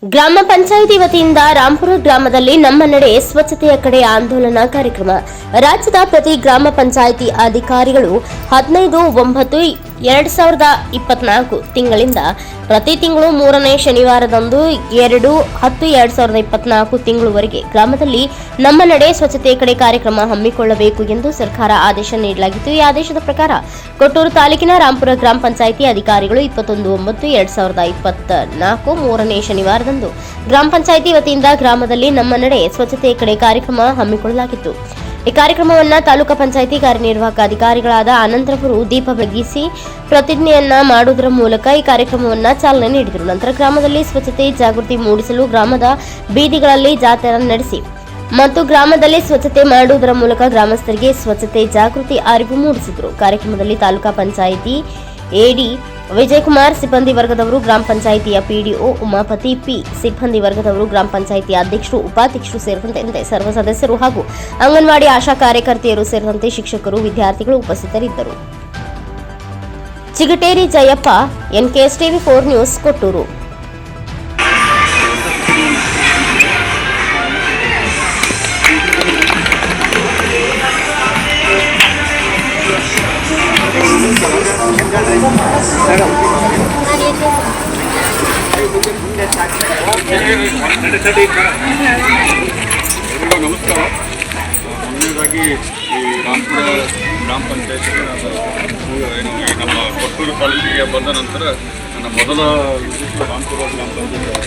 ಗ್ರಾಮ ಪಂಚಾಯಿತಿ ವತಿಯಿಂದ ರಾಂಪುರ ಗ್ರಾಮದಲ್ಲಿ ನಮ್ಮ ನಡೆ ಸ್ವಚ್ಛತೆಯ ಕಡೆ ಆಂದೋಲನ ಕಾರ್ಯಕ್ರಮ. ರಾಜ್ಯದ ಪ್ರತಿ ಗ್ರಾಮ ಪಂಚಾಯಿತಿ ಅಧಿಕಾರಿಗಳು 15/9/2024 ತಿಂಗಳಿಂದ ಪ್ರತಿ ತಿಂಗಳು 3ನೇ ಶನಿವಾರದಂದು 2/10/2024 ತಿಂಗಳವರೆಗೆ ಗ್ರಾಮದಲ್ಲಿ ನಮ್ಮ ನಡೆ ಸ್ವಚ್ಛತೆಯ ಕಡೆ ಕಾರ್ಯಕ್ರಮ ಹಮ್ಮಿಕೊಳ್ಳಬೇಕು ಎಂದು ಸರ್ಕಾರ ಆದೇಶ ನೀಡಲಾಗಿತ್ತು. ಈ ಆದೇಶದ ಪ್ರಕಾರ ಕೊಟ್ಟೂರು ತಾಲೂಕಿನ ರಾಂಪುರ ಗ್ರಾಮ ಪಂಚಾಯಿತಿ ಅಧಿಕಾರಿಗಳು 21/9/2024 3ನೇ ಶನಿವಾರದಂದು ಗ್ರಾಮ ಪಂಚಾಯಿತಿ ವತಿಯಿಂದ ಗ್ರಾಮದಲ್ಲಿ ನಮ್ಮ ನಡೆ ಸ್ವಚ್ಛತೆಯ ಕಡೆ ಕಾರ್ಯಕ್ರಮ ಹಮ್ಮಿಕೊಳ್ಳಲಾಗಿತ್ತು. ಈ ಕಾರ್ಯಕ್ರಮವನ್ನು ತಾಲೂಕು ಪಂಚಾಯಿತಿ ಕಾರ್ಯನಿರ್ವಾಹಕ ಅಧಿಕಾರಿಗಳಾದ ಅನಂತರವರು ದೀಪ ಬೆಳಗಿಸಿ ಪ್ರತಿಜ್ಞೆಯನ್ನ ಮಾಡುವುದರ ಮೂಲಕ ಈ ಕಾರ್ಯಕ್ರಮವನ್ನು ಚಾಲನೆ ನೀಡಿದರು. ನಂತರ ಗ್ರಾಮದಲ್ಲಿ ಸ್ವಚ್ಛತೆ ಜಾಗೃತಿ ಮೂಡಿಸಲು ಗ್ರಾಮದ ಬೀದಿಗಳಲ್ಲಿ ಜಾಥಾ ನಡೆಸಿ ಮತ್ತು ಗ್ರಾಮದಲ್ಲಿ ಸ್ವಚ್ಛತೆ ಮಾಡುವುದರ ಮೂಲಕ ಗ್ರಾಮಸ್ಥರಿಗೆ ಸ್ವಚ್ಛತೆ ಜಾಗೃತಿ ಅರಿವು ಮೂಡಿಸಿದರು. ಕಾರ್ಯಕ್ರಮದಲ್ಲಿ ತಾಲೂಕಾ ಪಂಚಾಯಿತಿ ಎಡಿ ವಿಜಯಕುಮಾರ್, ಸಿಬ್ಬಂದಿ ವರ್ಗದವರು, ಗ್ರಾಮ ಪಂಚಾಯಿತಿಯ ಪಿಡಿಒ ಉಮಾಪತಿ ಪಿ, ಸಿಬ್ಬಂದಿ ವರ್ಗದವರು, ಗ್ರಾಮ ಪಂಚಾಯಿತಿಯ ಅಧ್ಯಕ್ಷರು, ಉಪಾಧ್ಯಕ್ಷರು ಸೇರಿದಂತೆ ಸರ್ವ ಸದಸ್ಯರು ಹಾಗೂ ಅಂಗನವಾಡಿ ಆಶಾ ಕಾರ್ಯಕರ್ತೆಯರು ಸೇರಿದಂತೆ ಶಿಕ್ಷಕರು, ವಿದ್ಯಾರ್ಥಿಗಳು ಉಪಸ್ಥಿತರಿದ್ದರು. Chigateri Jayappa, NKSTV4 news, Kottur. ನಮಸ್ಕಾರ. ಮೊದಲನೇದಾಗಿ ಈ ರಾಂಪುರ ಗ್ರಾಮ ಪಂಚಾಯತ್ ನಮ್ಮ ಕೊಟ್ಟೂರು ತಾಲೂಕಿಗೆ ಬಂದ ನಂತರ ನನ್ನ ಮೊದಲ ರಾಂಪುರ ಗ್ರಾಮ ಪಂಚಾಯತ್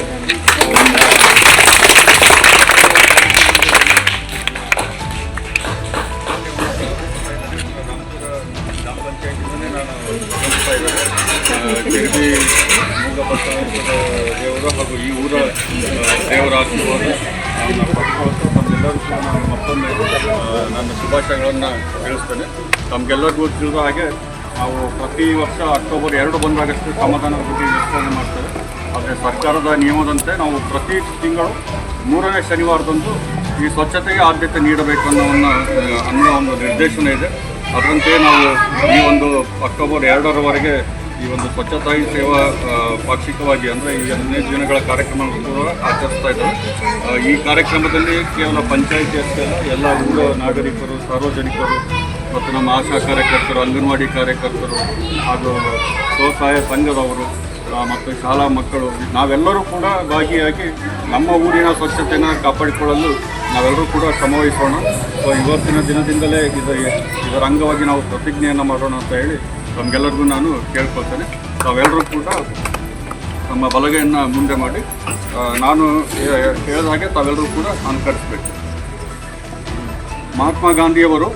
ಗ್ರಾಮ ಪಂಚಾಯತಿಂದಲೇ ನಾನು ಕಲಿಸ್ತಾ ಇದ್ದಾರೆ. ಜಗದಿ ಮೂಲಭೂತ ದೇವರು ಹಾಗೂ ಈ ಊರ ದೇವರ ಆಶೀರ್ವಾದ ತಮ್ಮೆಲ್ಲರೂ ಕೂಡ ನಾನು ಮತ್ತೊಮ್ಮೆ ನನ್ನ ಶುಭಾಶಯಗಳನ್ನು ತಿಳಿಸ್ತೇನೆ. ತಮಗೆಲ್ಲರಿಗೂ ತಿಳಿದ ಹಾಗೆ ನಾವು ಪ್ರತಿ ವರ್ಷ ಅಕ್ಟೋಬರ್ 2 ಬಂದಾಗಷ್ಟು ಶ್ರಮದಾನದ ಬಗ್ಗೆ ವಿಸ್ತರಣೆ ಮಾಡ್ತೇವೆ. ಆದರೆ ಸರ್ಕಾರದ ನಿಯಮದಂತೆ ನಾವು ಪ್ರತಿ ತಿಂಗಳು 3ನೇ ಶನಿವಾರದಂದು ಈ ಸ್ವಚ್ಛತೆಗೆ ಆದ್ಯತೆ ನೀಡಬೇಕು ಅನ್ನೋ ಒಂದು ನಿರ್ದೇಶನ ಇದೆ. ಅದರಂತೆ ನಾವು ಈ ಒಂದು ಅಕ್ಟೋಬರ್ 2ರವರೆಗೆ ಈ ಒಂದು ಸ್ವಚ್ಛತಾ ಸೇವಾ ಪಾಕ್ಷಿಕವಾಗಿ ಅಂದರೆ ಈ 15 ದಿನಗಳ ಕಾರ್ಯಕ್ರಮವನ್ನು ಕೂಡ ಆಚರಿಸ್ತಾ ಇದ್ದಾರೆ. ಈ ಕಾರ್ಯಕ್ರಮದಲ್ಲಿ ಕೇವಲ ಪಂಚಾಯಿತಿ ಅಷ್ಟೇ ಅಲ್ಲ, ಎಲ್ಲ ಊರ ನಾಗರಿಕರು, ಸಾರ್ವಜನಿಕರು ಮತ್ತು ನಮ್ಮ ಆಶಾ ಕಾರ್ಯಕರ್ತರು, ಅಂಗನವಾಡಿ ಕಾರ್ಯಕರ್ತರು ಹಾಗೂ ಸ್ವಸಹಾಯ ಸಂಘದವರು ಮತ್ತು ಶಾಲಾ ಮಕ್ಕಳು ನಾವೆಲ್ಲರೂ ಕೂಡ ಭಾಗಿಯಾಗಿ ನಮ್ಮ ಊರಿನ ಸ್ವಚ್ಛತೆಯನ್ನು ಕಾಪಾಡಿಕೊಳ್ಳಲು ನಾವೆಲ್ಲರೂ ಕೂಡ ಶ್ರಮವಹಿಸೋಣ. ಸೊ ಇವತ್ತಿನ ದಿನದಿಂದಲೇ ಇದರ ಅಂಗವಾಗಿ ನಾವು ಪ್ರತಿಜ್ಞೆಯನ್ನು ಮಾಡೋಣ ಅಂತ ಹೇಳಿ ನಮಗೆಲ್ಲರಿಗೂ ನಾನು ಕೇಳ್ಕೊಳ್ತೇನೆ. ತಾವೆಲ್ಲರೂ ಕೂಡ ನಮ್ಮ ಬಲಗೈಯನ್ನು ಮುಂದೆ ಮಾಡಿ ನಾನು ಹೇಳಿದ ಹಾಗೆ ತಾವೆಲ್ಲರೂ ಕೂಡ ಅನುಕರಿಸಬೇಕು. ಮಹಾತ್ಮ ಗಾಂಧಿಯವರು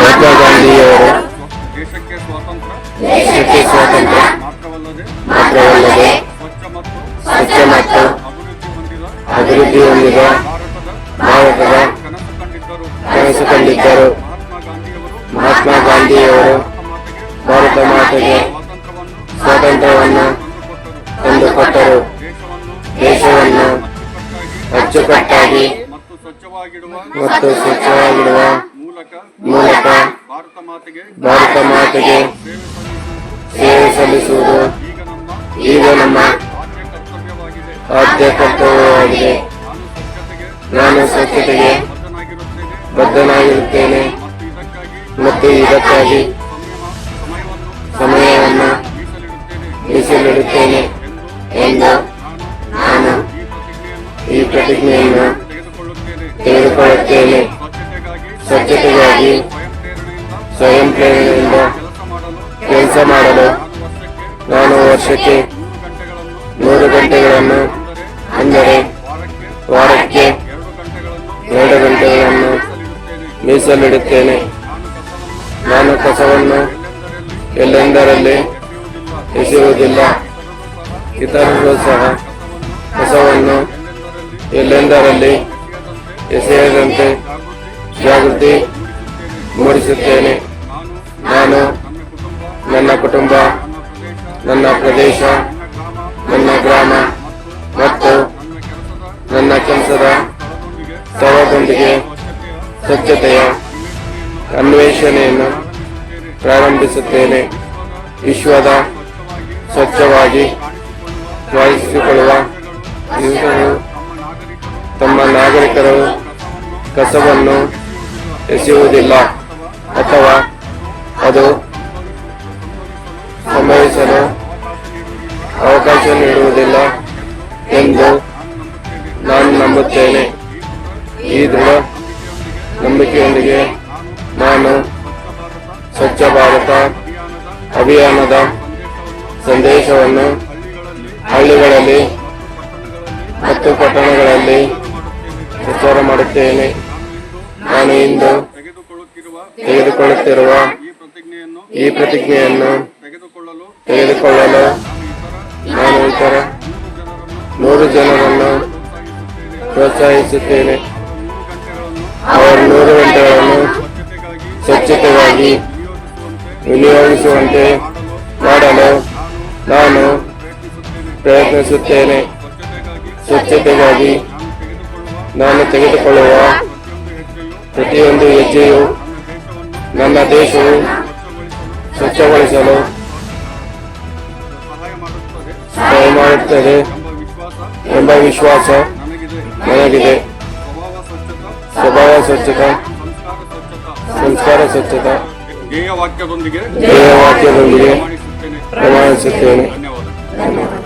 ದೇಶಕ್ಕೆ ಸ್ವಾತಂತ್ರ್ಯ ಮಾತ್ರವಲ್ಲದೆ ಸ್ವಚ್ಛ ಮತ್ತು ಅಭಿವೃದ್ಧಿ ಹೊಂದಿದ ಭಾರತದ ಕನಸು ಕಂಡಿದ್ದರು. ಮಹಾತ್ಮ ಗಾಂಧಿಯವರು ಭಾರತ ಮಾತೆಗೆ ಸ್ವಾತಂತ್ರ್ಯವನ್ನು ತಂದುಕೊಟ್ಟರು. ದೇಶವನ್ನು ಅಚ್ಚುಕಟ್ಟಾಗಿ ಮತ್ತು ಸ್ವಚ್ಛವಾಗಿಡುವ ಮೂಲಕ ಭಾರತ ಮಾತೆಗೆ ಸೇವೆ ಸಲ್ಲಿಸುವುದು ಈಗ ನಮ್ಮ ಆದ್ಯ ಕರ್ತವ್ಯವಾಗಿದೆ. ನಾನು ಸ್ವಚ್ಛತೆಗೆ ಬದ್ಧನಾಗಿರುತ್ತೇನೆ ಮತ್ತು ಇದಕ್ಕಾಗಿ ಸಮಯವನ್ನು ಮೀಸಲಿಡುತ್ತೇನೆ ಎಂದು ನಾನು ಈ ಪ್ರತಿಜ್ಞೆಯನ್ನು ತೆಗೆದುಕೊಳ್ಳುತ್ತೇನೆ. ಸ್ವಚ್ಛತೆಗಾಗಿ ಸ್ವಯಂ ಪ್ರೇರಣೆಯಿಂದ ಕೆಲಸ ಮಾಡಲು ನಾನು ವರ್ಷಕ್ಕೆ 3 ಗಂಟೆಗಳನ್ನು ಅಂದರೆ ವಾರಕ್ಕೆ 2 ಗಂಟೆಗಳನ್ನು ಮೀಸಲಿಡುತ್ತೇನೆ. ನಾನು ಕಸವನ್ನು ಎಲ್ಲೆಂದರಲ್ಲಿ ಎಸೆಯುವುದಿಲ್ಲ. ಇತರರು ಸಹ ಕಸವನ್ನು ಎಲ್ಲೆಂದರಲ್ಲಿ ಎಸೆಯದಂತೆ ಜಾಗೃತಿ ಮೂಡಿಸುತ್ತೇನೆ. ನಾನು, ನನ್ನ ಕುಟುಂಬ, ನನ್ನ ಪ್ರದೇಶ, ನನ್ನ ಗ್ರಾಮ ಮತ್ತು ನನ್ನ ಕೆಲಸದ ಸ್ಥಳದೊಂದಿಗೆ ಸ್ವಚ್ಛತೆಯ ಅನ್ವೇಷಣೆಯನ್ನು ಪ್ರಾರಂಭಿಸುತ್ತೇನೆ. ವಿಶ್ವದ ಸ್ವಚ್ಛವಾಗಿ ಭಾವಿಸಿಕೊಳ್ಳುವ ದಿವಸವು ತಮ್ಮ ನಾಗರಿಕರು ಕಸವನ್ನು ಎಸೆಯುವುದಿಲ್ಲ ಅಥವಾ ಅದು ಸಂಭವಿಸಲು ಅವಕಾಶ ನೀಡುವುದಿಲ್ಲ ಎಂದು ನಾನು ನಂಬುತ್ತೇನೆ. ಈ ದೃಢ ನಂಬಿಕೆಯೊಂದಿಗೆ ನಾನು ಸ್ವಚ್ಛ ಭಾರತ ಅಭಿಯಾನದ ಸಂದೇಶವನ್ನು ಹಳ್ಳಿಗಳಲ್ಲಿ ಮತ್ತು ಪಟ್ಟಣಗಳಲ್ಲಿ ಪ್ರಚಾರ ಮಾಡುತ್ತೇನೆ. ನಾನು ಇಂದು ತೆಗೆದುಕೊಳ್ಳುತ್ತಿರುವ ಈ ಪ್ರತಿಜ್ಞೆಯನ್ನು ತೆಗೆದುಕೊಳ್ಳಲು ನಾನು ಇತರ 100 ಜನರನ್ನು ಪ್ರೋತ್ಸಾಹಿಸುತ್ತೇನೆ. ಅವರು 100 ಗಂಟೆಗಳನ್ನು ಸ್ವಚ್ಛತೆಗಾಗಿ ವಿನಿಯೋಗಿಸುವಂತೆ ಮಾಡಲು ನಾನು ಪ್ರಯತ್ನಿಸುತ್ತೇನೆ. ಸ್ವಚ್ಛತೆಗಾಗಿ ನಾನು ತೆಗೆದುಕೊಳ್ಳುವ ಪ್ರತಿಯೊಂದು ಹೆಜ್ಜೆಯು ನನ್ನ ದೇಶವು ಸ್ವಚ್ಛಗೊಳಿಸಲು ಸಹಾಯ ಮಾಡುತ್ತದೆ ಎಂಬ ವಿಶ್ವಾಸ ನನಗಿದೆ. ಸ್ವಭಾವ ಸ್ವಚ್ಛತಾ, ಸಂಸ್ಕಾರ ಸ್ವಚ್ಛತಾ ಧ್ಯೇಯವಾಕ್ಯದೊಂದಿಗೆ ಪ್ರಮಾಣಿಸುತ್ತೇನೆ. ಧನ್ಯವಾದ.